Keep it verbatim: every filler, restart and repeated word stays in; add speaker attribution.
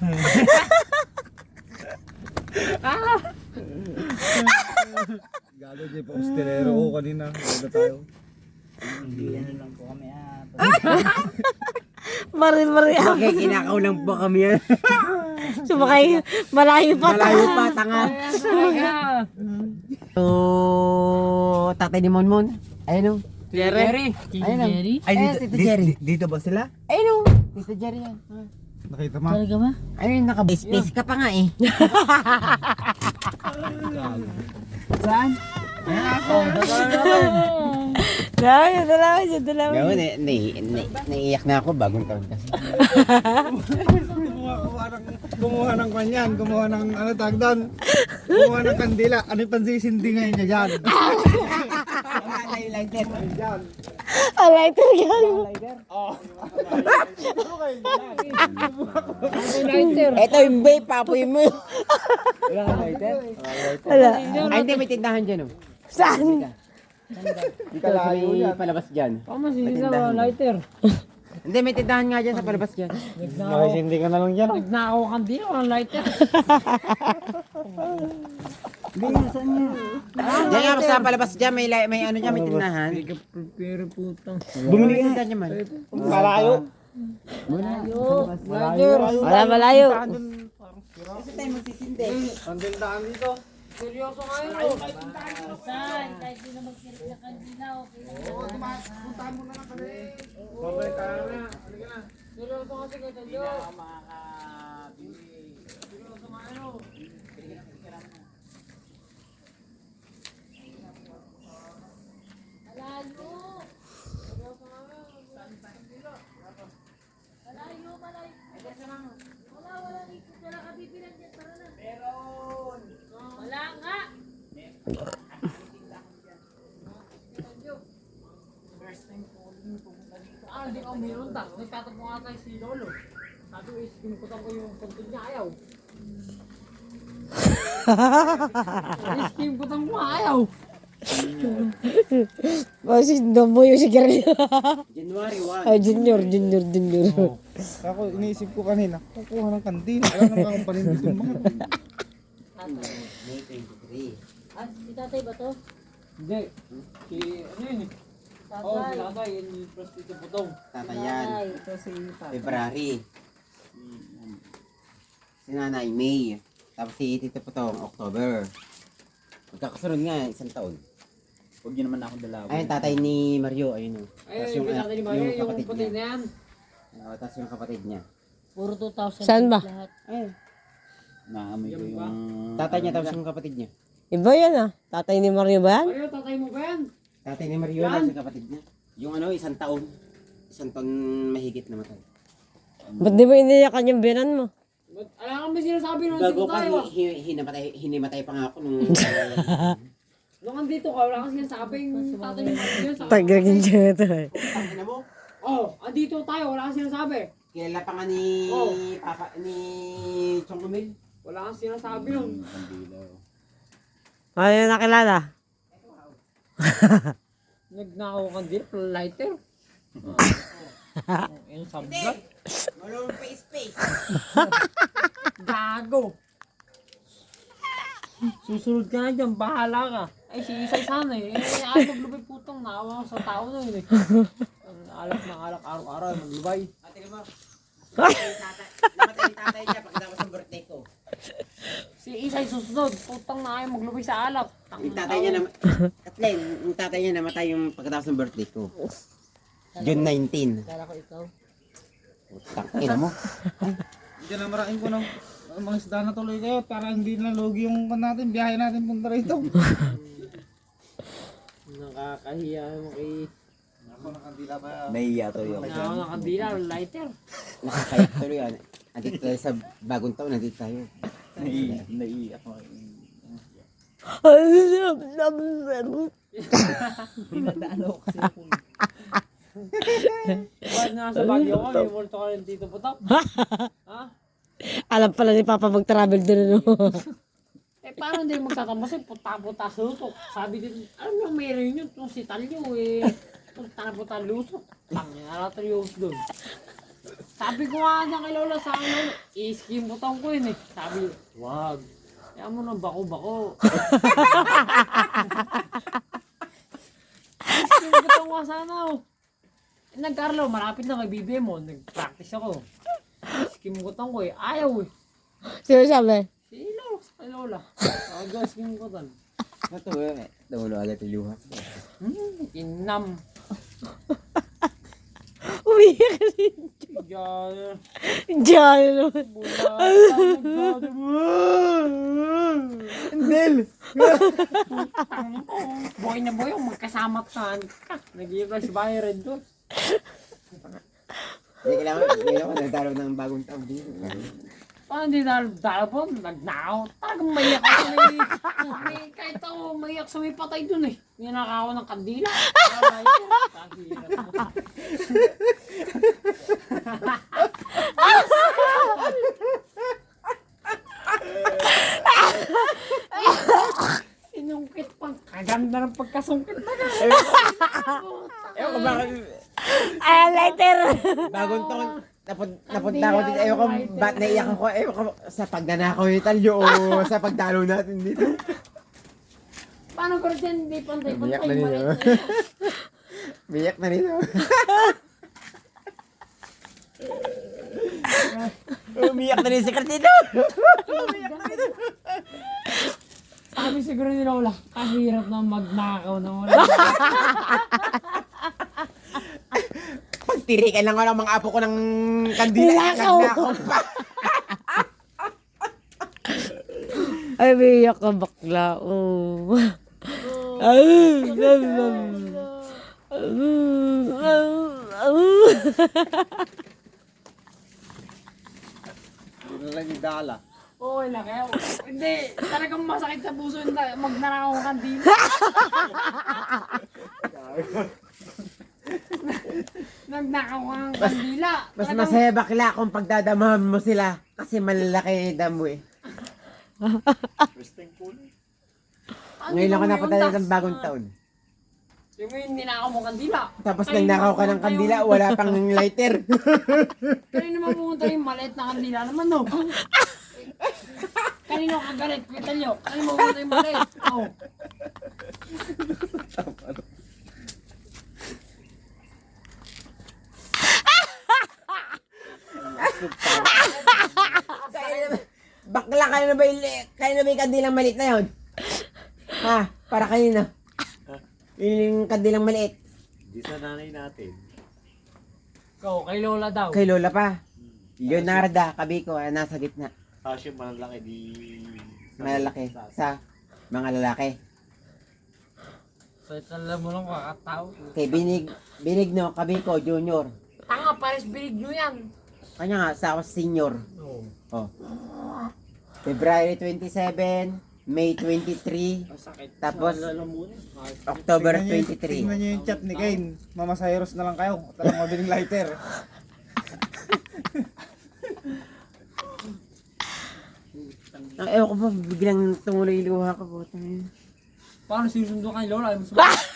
Speaker 1: Galo dyan pa ustelero ko kanina. Galo tayo.
Speaker 2: Hindi ano lang po kami ah.
Speaker 3: Mari-mari ako.
Speaker 4: Okay, kinakaw lang po kami yan.
Speaker 3: Sumakay, malayo pa.
Speaker 4: Malayo pa, tanga. So, tatay ni Monmon. Ayun o.
Speaker 3: Jerry.
Speaker 4: Ayun o.
Speaker 3: Jerry?
Speaker 4: Ay, dito, Tito Jerry.
Speaker 1: Di- Dito ba sila?
Speaker 4: Ayun o. Tito Jerry yan.
Speaker 1: Nakita mo?
Speaker 3: Talaga ba?
Speaker 4: Ayun, naka-space ka pa nga eh.
Speaker 2: Saan?
Speaker 3: Dalawa yun, dalawa yun, dalawa
Speaker 4: Gawin,
Speaker 3: yun.
Speaker 4: eh, nai- nai- naiiyak na ako bagong taon kasi.
Speaker 1: Kumuha, kumuha ng, kumuha ng kanyan, kumuha ng ano tag doon. Kumuha ng kandila. Ano yung pansisindi ngayon niya dyan? Dyan.
Speaker 3: Ah, lighter yan.
Speaker 4: Ito yung vape, papoy mo.
Speaker 2: Wala kang lighter?
Speaker 3: Wala.
Speaker 4: Ay, hindi, may tindahan dyan o.
Speaker 3: Saan?
Speaker 4: Dito sa may palabas dyan.
Speaker 2: Tama si
Speaker 4: May
Speaker 2: Isa
Speaker 4: tindahan.
Speaker 2: lighter.
Speaker 4: Hindi, may tindahan nga dyan sa palabas dyan.
Speaker 1: Makisindi ka na lang dyan.
Speaker 2: Nagnakaw kang di, walang lighter.
Speaker 4: Diyan nga, sa palabas dyan, may, li- may ano dyan, may tindahan.
Speaker 2: Pero putang.
Speaker 4: Bumili ka na dyan man.
Speaker 1: Malayo.
Speaker 2: Lighter.
Speaker 3: Wala, malayo.
Speaker 4: Kasi tayo magsisindi.
Speaker 1: Ang tindahan dito.
Speaker 2: Seryoso nga yun.
Speaker 1: Babalik ka na. Halika na.
Speaker 2: Seryoso kasi kita Diyo.
Speaker 3: Wala nga.
Speaker 2: Ah, hindi ako meron ta. Nagtatapong nga tayo si Lolo. Sabi ko, iskinukutan ko yung puntod niya, ayaw. Iskinukutan ko, ayaw.
Speaker 3: Kasi damo yung sigarilyo.
Speaker 4: January first.
Speaker 3: Ay, junior, junior, junior.
Speaker 1: Ako, iniisip ko kanina, kukuha ng kandila. Alam naman akong panindit yung mga.
Speaker 4: May twenty-three.
Speaker 3: Ah, si tatay ba to?
Speaker 2: Hindi. Si, ano yun eh? Oo, si tatay, yun yung prostitute putong.
Speaker 4: Tatayan.
Speaker 2: Ito si tatay.
Speaker 4: February. Si Nanay, May. Tapos si Tito Potong, October. Magkakasunod nga, isang taon.
Speaker 2: Huwag niyo naman ako dalawa.
Speaker 4: Ayun, tatay ni Mario, ayun o.
Speaker 2: Ay, yung tatay ni Mario, yung puti na yan.
Speaker 4: Oo, tapos yung kapatid niya.
Speaker 3: Puro two thousand. Saan ba?
Speaker 4: Ayun.
Speaker 2: Naamoy ko yung...
Speaker 4: Tatay niya, tapos yung kapatid niya.
Speaker 3: Iba yan ah. Tatay ni Mario ba yan?
Speaker 2: Ay, tatay mo ba yan?
Speaker 4: Tatay ni Mario, tapos yung kapatid niya. Yung ano, isang taon. Isang taon mahigit na matay.
Speaker 3: Ba't di ba iniyakan yung binan mo?
Speaker 2: Ba't, alam ka may sinasabi nung
Speaker 4: Bago
Speaker 2: andito
Speaker 4: pa,
Speaker 2: tayo ah.
Speaker 4: hi, hi, hinamatay, hinimatay pa nga ako nung...
Speaker 2: Nung andito ka, wala kang sinasabing tatay ni Mario yun sa...
Speaker 3: Tagagin siya ito eh.
Speaker 4: Tangina mo,
Speaker 2: Oh, andito tayo, wala kang sinasabi.
Speaker 4: kilala pa nga ni...
Speaker 2: Oh.
Speaker 4: Papa, ni... Chong Lumil.
Speaker 2: Wala kang sinasabi nun.
Speaker 3: Ano yung nakilala?
Speaker 2: Nagnakaw kang di, lighter. Yung sablat.
Speaker 4: Wala pa space.
Speaker 2: Gago. Susunod ka na dyan, bahala ka. Ay, si Isay sana eh. Eh, ay, maglubay putang, naawa ko sa tao na yun eh. Alak ng alak, araw-araw, maglubay.
Speaker 4: Ate mo. Namatay yung tatay niya pagkatapos ng birthday ko.
Speaker 2: Si Isay susunod, putang na ayaw maglubay sa alak.
Speaker 4: Yung tatay niya na... At Len, yung tatay niya namatay yung pagkatapos ng birthday ko. June nineteenth.
Speaker 3: Kala ko ikaw.
Speaker 4: Putang ina mo.
Speaker 1: Diyan na marain ko ng mga isda na tuloy kayo para hindi na lugi yung pan natin, biyahe natin punta rito.
Speaker 2: Nakakahiya mo kay...
Speaker 1: Ako nakandila pa.
Speaker 4: Naiya to yung.
Speaker 2: Nakakahiya ng kandila, lighter.
Speaker 4: Nakakaya tuloy yan. Nandito tayo sa bagong taon, nandito tayo.
Speaker 1: Naiiyak ako.
Speaker 2: Bakit nga sa Baguio ka, may multo ka rin dito putak? Ha?
Speaker 3: Alam pala ni Papa mag-travel doon ano.
Speaker 2: Eh, paano hindi magtatambas eh, puta-puta sutok. Sabi din, alam mo, mayroon yun, itong si Talyo eh. Puta-puta lusok. Tangin, alatriyos doon. Sabi ko nga na kay Lola sa akin, Lola, i-skim butang ko yun eh. Sabi, wag. Kaya mo nang bako-bako. I-skim butang ko sana oh. Nagkarlo, malapit na kay B B M mo. Nag-practice ako. I-skim butang ko eh. Ayaw eh.
Speaker 3: Sino sabi?
Speaker 2: Si Lola, kay Lola. Sabi ko, skim butang.
Speaker 4: Ito eh. Tumulo agad yung luha.
Speaker 2: Hmm, inam.
Speaker 3: Umiyak ka rin.
Speaker 2: Diyan.
Speaker 3: Diyan.
Speaker 2: Mula.
Speaker 1: Indel!
Speaker 2: Boy na boy, yung magkasama ka. Nag-i-flash Byron doon.
Speaker 4: Hindi kailangan, hindi kailangan nagdaro ng bagong taon dito.
Speaker 2: Paano hindi dahil po? Nagnakaw. Talagang maiyak ako sa may, may, kahit ako maiyak sa may patay dun eh. Ninaka ako ng kandila. Ay, kahirap mo. Sinungkit pang kaganda ng pagkasungkit na ka.
Speaker 4: Ewan ko bakit,
Speaker 3: Ay, later.
Speaker 4: bagong taon, napun, napunta ako dito. Ewan ko, ba't naiyak ako? Ewan ko, sa pagnanakaw ni Talyo o sa pagdalo natin dito.
Speaker 2: Paano ko rin hindi pantay-pantay?
Speaker 4: Biyak na ninyo.
Speaker 2: Maliit na yun.
Speaker 4: Biyak na rin ako. Umiyak na rin si Cartino.
Speaker 2: Sabi siguro ni Lola, kahirap na magnakaw na wala.
Speaker 4: Pagtirikan lang ko ng mga apo ko ng kandila.
Speaker 3: Nakaw.
Speaker 4: Nagnakaw pa.
Speaker 3: Ay, umiyak ka bakla. Oh. Ay,
Speaker 1: Hindi na lang yung dala.
Speaker 2: Oo, na kaya. Hindi, talagang masakit sa puso yung na- magnanakaw ng kandila. Nagnakaw ka ng kandila.
Speaker 4: Mas
Speaker 2: Talagang-
Speaker 4: masaya bakla kung pagdadamahan mo sila. Kasi malalaki damo eh.
Speaker 2: Ano
Speaker 4: Ngayon lang ako
Speaker 2: mo
Speaker 4: napunta
Speaker 2: yun,
Speaker 4: dito ng
Speaker 2: tas-
Speaker 4: bagong taon.
Speaker 2: Yung yung ninakaw mo kandila.
Speaker 4: Tapos
Speaker 2: Kanina
Speaker 4: nagnakaw ka ng
Speaker 2: pumunta
Speaker 4: kandila,
Speaker 2: yung-
Speaker 4: wala pang lighter.
Speaker 2: Kanina naman pumunta yung maliit na kandila naman, no? Kanino ka galit? Kita nyo. Kanino pumunta yung maliit? Oh.
Speaker 4: Bakla, kayo na ba yung, kayo na ba yung kandilang maliit na yun? Ha? Para kanino? Yung kandilang maliit.
Speaker 5: Di sa nanay natin.
Speaker 2: Ikaw, kay Lola daw.
Speaker 4: Kay Lola pa. Leonarda, Kabiko, ah, nasa gitna.
Speaker 5: Kasi malaki di...
Speaker 4: Malalaki. Sa mga lalaki.
Speaker 2: So, alam mo lang kakatao.
Speaker 4: Kay Binig, Binigno, Kabiko, Junior.
Speaker 2: Tanga, pares bilig nyo yan.
Speaker 4: Kanya nga, sa ako senior.
Speaker 2: Oo.
Speaker 4: Oh. February twenty-seven, May twenty-three,
Speaker 2: Masakit.
Speaker 4: Tapos,
Speaker 2: Alam mo na.
Speaker 4: October
Speaker 1: Tingnan niyo-
Speaker 4: twenty-three.
Speaker 1: Tingnan niyo yung chat ni Kane. Mama Cyrus na lang kayo. Talagang mabiling lighter.
Speaker 4: Ang ewan ko ba, biglang tumuloy yung luha ko. Putang ina.
Speaker 2: Paano sinusundo kay Lola? Ay, mas